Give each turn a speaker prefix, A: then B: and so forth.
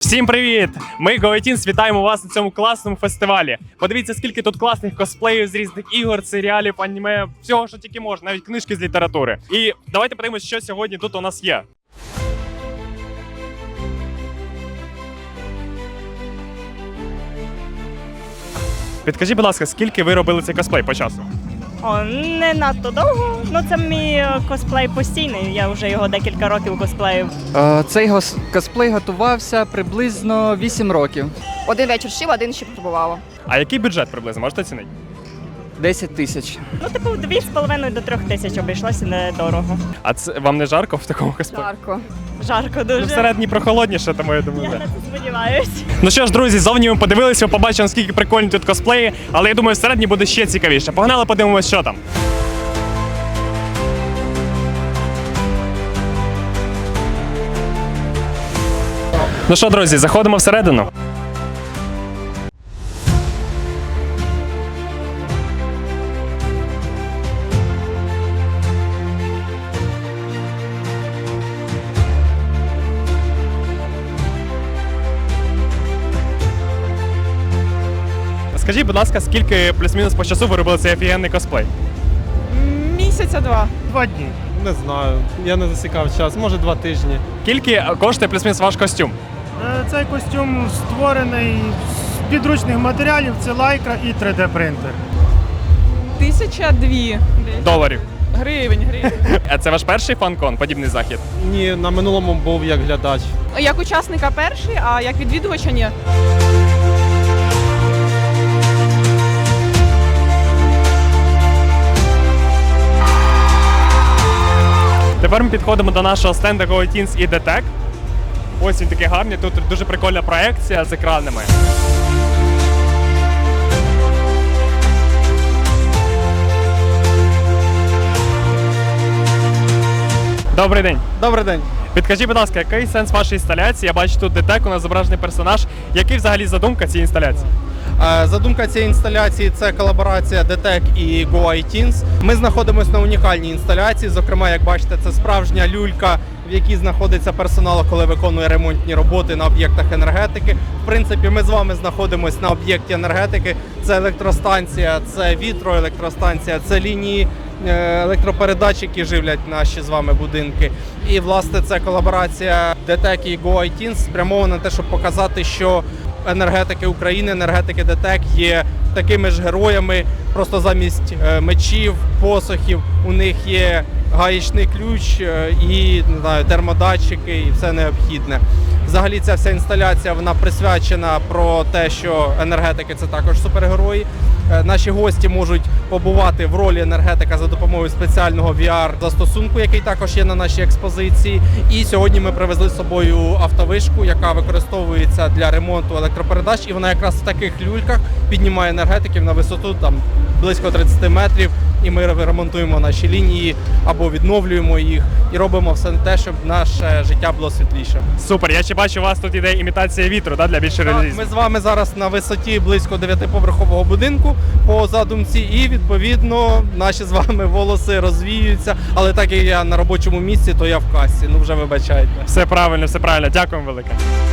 A: Всім привіт! Ми GoAteens вітаємо вас на цьому класному фестивалі. Подивіться, скільки тут класних косплеїв з різних ігор, серіалів, аніме, всього, що тільки можна, навіть книжки з літератури. І давайте подивимось, що сьогодні тут у нас є. Підкажіть, будь ласка, скільки ви робили цей косплей по часу?
B: Не надто довго, це мій косплей постійний, я вже його декілька років косплею.
C: Цей косплей готувався приблизно 8 років.
D: Один вечір шив, один ще пробувала.
A: А який бюджет приблизно, можете оцінити?
C: 10 тисяч.
B: 2,5 до 3 тисяч обійшлося недорого.
A: А це вам не жарко в такому косплеї?
D: Жарко.
B: Жарко дуже.
A: Всередині прохолодніше, тому я думаю.
B: Я
A: так.
B: на це сподіваюсь.
A: Ну що ж, друзі, зовні ми подивилися, ви побачили, наскільки прикольні тут косплеї, але я думаю, всередині буде ще цікавіше. Погнали, подивимось, що там. Ну що, друзі, заходимо всередину. Скажіть, будь ласка, скільки плюс-мінус по часу ви робили цей офігенний косплей?
E: Місяця два.
F: 2 дні. Не знаю. Я не засікав час. Може 2 тижні.
A: Скільки коштує плюс-мінус ваш костюм?
F: Цей костюм створений з підручних матеріалів. Це лайкра і 3D принтер.
E: 1002
A: Доларів.
E: гривень.
A: А це ваш перший фан-кон, подібний захід?
F: Ні, на минулому був як глядач.
E: Як учасника перший, а як відвідувача ні.
A: Тепер ми підходимо до нашого стенду GoAteens і DTEC. Ось він такий гарний, тут дуже прикольна проекція з екранами. Добрий день.
F: Добрий день.
A: Підкажіть, будь ласка, який сенс вашої інсталяції? Я бачу тут DTEC, у нас зображений персонаж. Який взагалі задумка цієї інсталяції?
F: Задумка цієї інсталяції – це колаборація DTEC і GoAteens. Ми знаходимося на унікальній інсталяції. Зокрема, як бачите, це справжня люлька, в якій знаходиться персонал, коли виконує ремонтні роботи на об'єктах енергетики. В принципі, ми з вами знаходимося на об'єкті енергетики. Це електростанція, це вітроелектростанція, це лінії електропередач, які живлять наші з вами будинки. І, власне, це колаборація DTEC і GoAteens спрямована на те, щоб показати, що енергетики України, енергетики DTEC є такими ж героями, просто замість мечів, посохів у них є гаєчний ключ і, не знаю, термодатчики і все необхідне. Взагалі ця вся інсталяція, вона присвячена про те, що енергетики – це також супергерої. Наші гості можуть побувати в ролі енергетика за допомогою спеціального VR-застосунку, який також є на нашій експозиції. І сьогодні ми привезли з собою автовишку, яка використовується для ремонту електропередач. І вона якраз в таких люльках піднімає енергетиків на висоту близько 30 метрів. І ми ремонтуємо наші лінії або відновлюємо їх і робимо все те, щоб наше життя було світліше.
A: Супер, я ще бачу, у вас тут іде імітація вітру, да, для більшої реалізму.
F: Ми з вами зараз на висоті близько 9-поверхового будинку по задумці, і відповідно наші з вами волоси розвіються. Але так як я на робочому місці, то я в касі. Ну вже вибачайте.
A: Все правильно, дякуємо велике.